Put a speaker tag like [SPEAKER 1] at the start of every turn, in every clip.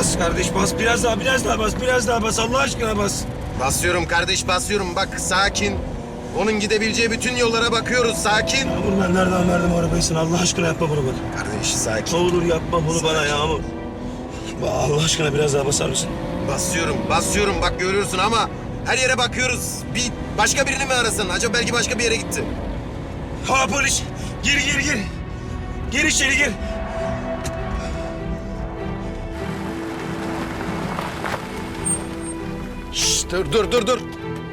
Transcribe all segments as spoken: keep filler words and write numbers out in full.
[SPEAKER 1] Bas kardeş bas. Biraz daha biraz daha bas. Biraz daha bas. Allah aşkına bas.
[SPEAKER 2] Basıyorum kardeş, basıyorum. Bak sakin. Onun gidebileceği bütün yollara bakıyoruz. Sakin.
[SPEAKER 1] Yağmur ben nereden verdim arabayı sana? Allah aşkına yapma bunu bana.
[SPEAKER 2] Kardeş sakin.
[SPEAKER 1] Ne olur yapma bunu bana Yağmur. Allah aşkına biraz daha basar mısın?
[SPEAKER 2] Basıyorum, basıyorum. Bak görüyorsun ama her yere bakıyoruz. Bir başka birini mi arasın? Acaba belki başka bir yere gitti.
[SPEAKER 1] Ha polis. Gir gir gir. Gir içeri gir.
[SPEAKER 2] Şşş, dur dur dur dur.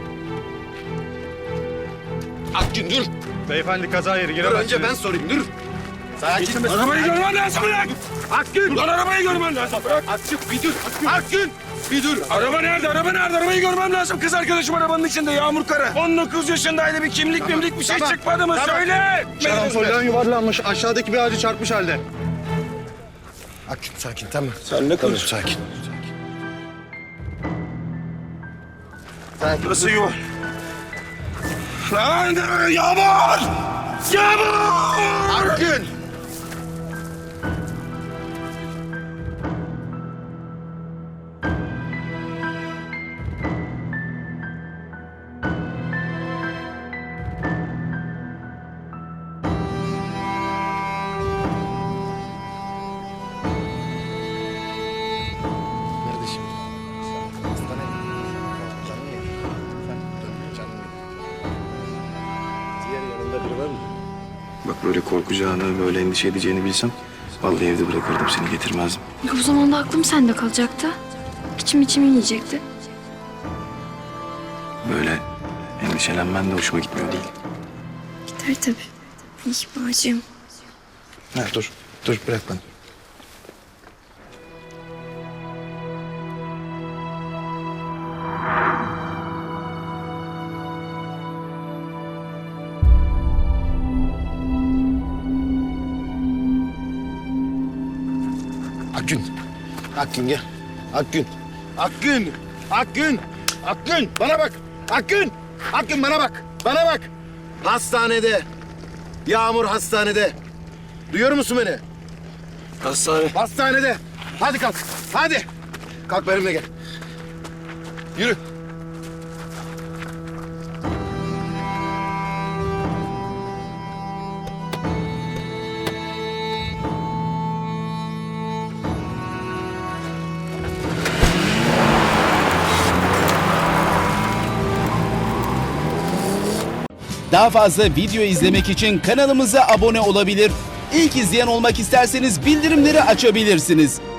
[SPEAKER 2] Akgün dur.
[SPEAKER 3] Beyefendi kaza yeri
[SPEAKER 2] Dur
[SPEAKER 3] giremezsiniz.
[SPEAKER 2] önce ben sorayım dur. Sakin.
[SPEAKER 1] Arabayı görmen lazım bırak.
[SPEAKER 2] Akgün.
[SPEAKER 1] Lan arabayı görmen lazım bırak.
[SPEAKER 2] Akgün bir dur. Akgün bir dur.
[SPEAKER 1] Araba nerede? Araba nerede? Arabayı görmem lazım. Kız arkadaşım arabanın içinde Yağmur Kara. on dokuz yaşındaydı. Bir kimlik
[SPEAKER 2] Tamam,
[SPEAKER 1] mimlik bir şey
[SPEAKER 2] tamam,
[SPEAKER 1] çıkmadı mı?
[SPEAKER 2] tamam.
[SPEAKER 1] Söyle.
[SPEAKER 3] Şarampolden yuvarlanmış. Aşağıdaki bir ağacı çarpmış halde.
[SPEAKER 2] Akgün sakin tamam.
[SPEAKER 1] Sen ne
[SPEAKER 2] Tamam sakin. Sakin.
[SPEAKER 1] Burası yuva. Lan Yağmur! Yağmur!
[SPEAKER 2] Akgün. Kardeşim. Hastaneye canım yedim. Sen dönme canım yedim. Diğer yanında biri var mı?
[SPEAKER 4] Bak böyle korkacağını, böyle endişe edeceğini bilsem vallahi evde bırakırdım seni, getirmezdim.
[SPEAKER 5] O zaman da aklım sende kalacaktı. İçim içimi yiyecekti.
[SPEAKER 4] Böyle endişelenmen de hoşuma gitmiyor değil.
[SPEAKER 5] Gider tabii. İhbarcığım.
[SPEAKER 4] Ha, dur, dur bırak bana.
[SPEAKER 2] Akgün. Akgün gel. Akgün. Akgün. Akgün. Akgün bana bak. Akgün. Akgün bana bak. Bana bak. Hastanede. Yağmur hastanede. Duyuyor musun beni?
[SPEAKER 1] Hastane.
[SPEAKER 2] Hastanede. Hadi kalk. Hadi. Kalk benimle gel. Yürü.
[SPEAKER 6] Daha fazla video izlemek için kanalımıza abone olabilir. İlk izleyen olmak isterseniz bildirimleri açabilirsiniz.